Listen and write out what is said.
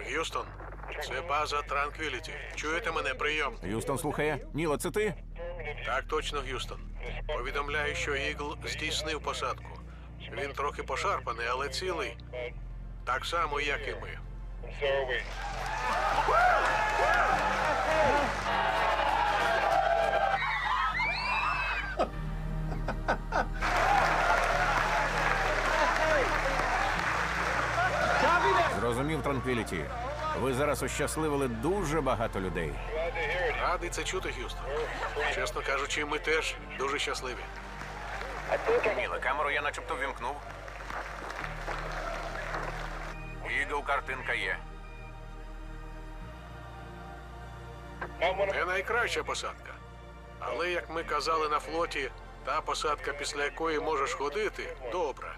Г'юстон, це база Транквіліті. Чуєте мене? Прийом. Юстон слухає. Ніло, це ти? Так точно, Г'юстон. Повідомляю, що Ігл здійснив посадку. Він трохи пошарпаний, але цілий. Так само, як і ми. Зрозумів, Транквіліті. Ви зараз ощасливили дуже багато людей. Радий це чути, Г'юстон. Чесно кажучи, ми теж дуже щасливі. Ніло, камеру я начебто ввімкнув. Ігл, картинка є. Не найкраща посадка. Але, як ми казали на флоті, та посадка, після якої можеш ходити, добра.